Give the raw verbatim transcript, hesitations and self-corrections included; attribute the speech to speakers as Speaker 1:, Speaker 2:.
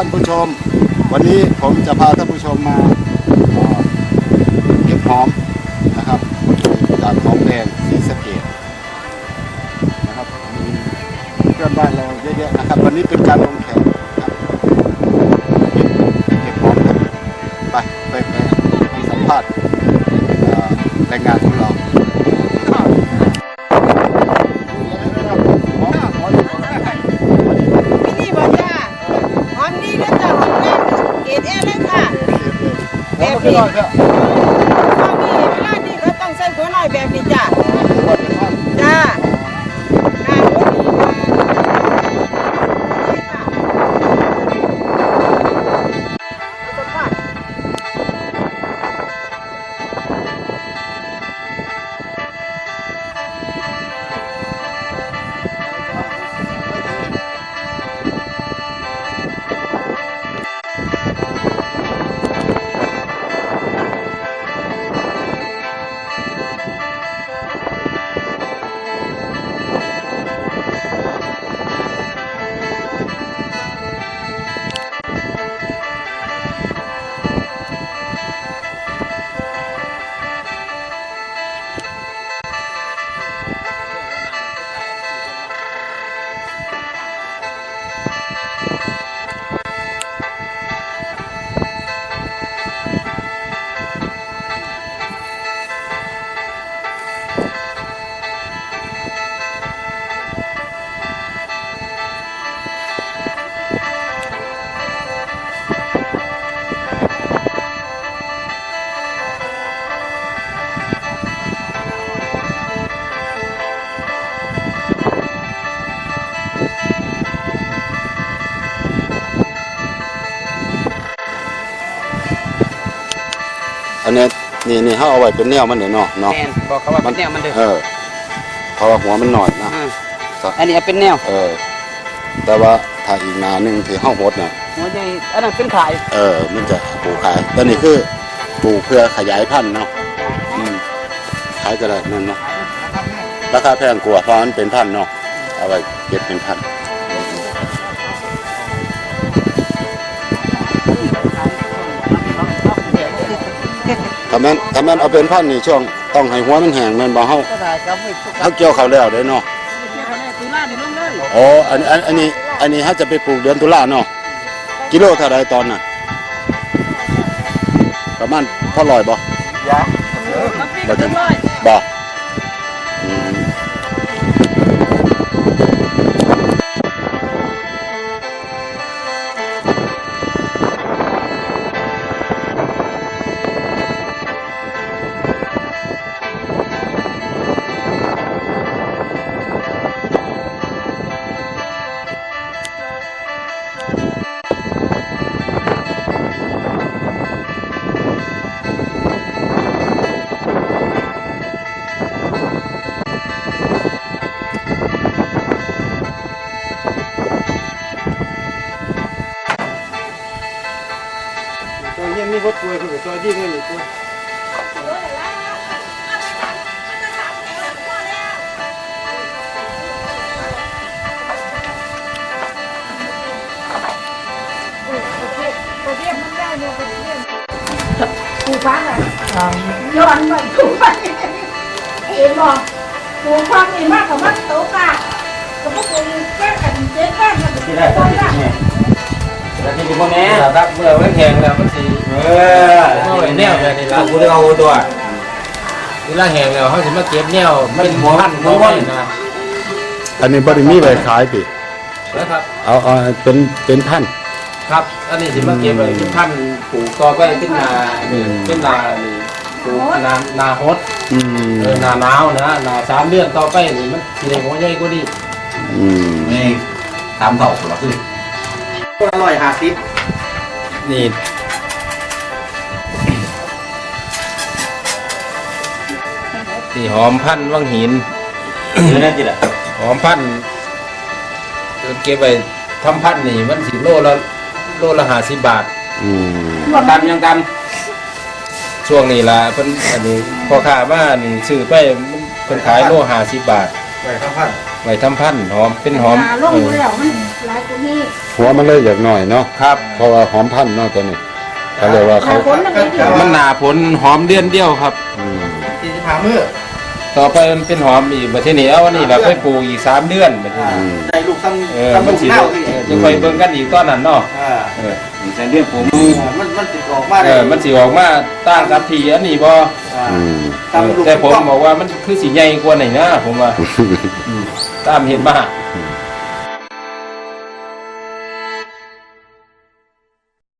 Speaker 1: านผู้ชมวันนี้ผมจะพาท่านผู้ชมมาเก็บหอมนะครับจากหอมแดงศรีสะเกษนะครับมีเพื่อนบ้านเราเยอะๆนะครับวันนี้เป็นการลงแขกครับเก็บหอมครับไปไปไปสัมภาษณ์แรงงานของเรา
Speaker 2: นี่บ่จ้าหอมดีนะจ้าหอมแดงเกรดเอเลยค่ะแบบนี้ข้าวนี่เวลานี่เขาต้องใส่หัวหน่อยแบบนี้จ้าจ้าการรถดีมา
Speaker 1: อันนี้นี่นี่เขาเอาไว้เป็นแนวมันเดี๋ยวเนาะเนาะ
Speaker 3: แม่นบอกเขาว่าเป็นแนวมันเด้อ
Speaker 1: เออเพราะว่าหัวมันหน่อยนะ
Speaker 3: อันนี้เป็นแนว
Speaker 1: เออแต่ว่าถ้าอีกนาหนึ่งที่ห้องหดเนี่ย
Speaker 3: หัวใหญ่อันนั้นเป็นขาย
Speaker 1: เออมันจะปลูกขายตอนนี้คือปลูกเพื่อขยายพันธุ์เนาะอืมขายก็ได้นั่นเนาะราคาแพงกว่าเพราะมันเป็นพันธุ์เนาะเอาไว้เก็บเป็นพันธุ์ถ้าแม่นถ้าแม่นเอาเป็นพันธุ์นี่ช่วงต้องให้หัวมันแห้งแม่นบ่เฮาเฮาเกี่ยวเขาแล้วได้เนาะอ๋ออันอันอันนี้อันนี้เฮาจะไปปลูกเดือนตุลาเนาะกิโลเท่าไรตอนน่ะประมาณเท่าร้อยบ่บ่ถึงบ่อืม
Speaker 4: ยังมีรถป่วยคือซอยดีเลยนี่ป่วย
Speaker 2: ปูฟ้าอ่ะย้อนไปปูฟ้าเอ็มบอกปูฟ้านี่มากกว่ามันโตกะกับพวกปูแก้กันเจ๊แก้กันที่ได้ที่นี่
Speaker 4: แล้วที่พ่อแม่ครับเมื่อไว้แข่งแล้วมันสีเออแนวแบบนี้ละกูได้เอาตัวเวลาแห้งแล้วเขาจะมาเก็บแนวเป็นหัวพันหัวพันนะ
Speaker 1: อันนี้บ่ได้มีไว้ขายติ
Speaker 4: นะครับ
Speaker 1: เอาเอาเป็นเป็นพันธุ์
Speaker 4: ครับอันนี้จะมาเก็บไว้เป็นพันปลูกต่อไปเป็นนาเป็นนาปลูกนานาฮด
Speaker 1: อืม
Speaker 4: เออนาหนาวนะนาสามเดือนต่อไปนี่มันสีแดงหัวใหญ่กว่านี้
Speaker 1: อืม
Speaker 4: นี่ตามเท่าหรอคืออร่อยหาซิปนี่นี่หอมพันวังหินนี่นั่นจีแหละหอมพันเก็บไปทำพันนี่มันสิโลละโลละห้าสิบบาท
Speaker 1: อืม
Speaker 4: ตามยังตามช่วงนี้ละเพิ่นอันนี้พอค้ามานี่ซื้อไปเพิ่นขายโลห้าสิบบาทไว้ทำพันไว้ทำพันหอมเป็นหอม
Speaker 2: ลงแล้วมันหลาย
Speaker 1: หัวมันเลยอยากหน่อยเนาะ
Speaker 4: ครับ
Speaker 1: เพราะว่าหอมพันธุ์เนาะตัวนี้เขาเรียกว่าเขา
Speaker 4: มันหนาผลหอมเดือนเดียวครับ
Speaker 1: อืม
Speaker 5: สี่สิบห้ามื้อ
Speaker 4: ต่อไปมันเป็นหอมอีกประเทศนี้เอาอันนี้เราไปปลูกอีกสามเดือนประเทศนี้
Speaker 5: ได้ลูกซ้
Speaker 4: เออ
Speaker 5: ำซ้ำ
Speaker 4: มั
Speaker 5: ลู
Speaker 4: น
Speaker 5: ก
Speaker 4: สิ
Speaker 5: เน่าคือ
Speaker 4: เออจะไปเบิ่งกันอีกตอนนั้นเนาะ
Speaker 5: อ่า
Speaker 4: เออแสนเดือนผม
Speaker 5: มันมันติดออกมา
Speaker 4: เออมันสิออกมาต่างกับที่อันนี้บ่
Speaker 1: อืม
Speaker 5: ตามลูก
Speaker 4: แต่ผมบอกว่ามันคือสิใหญ่กว่านี่นะผมว่า ตามเห็นมา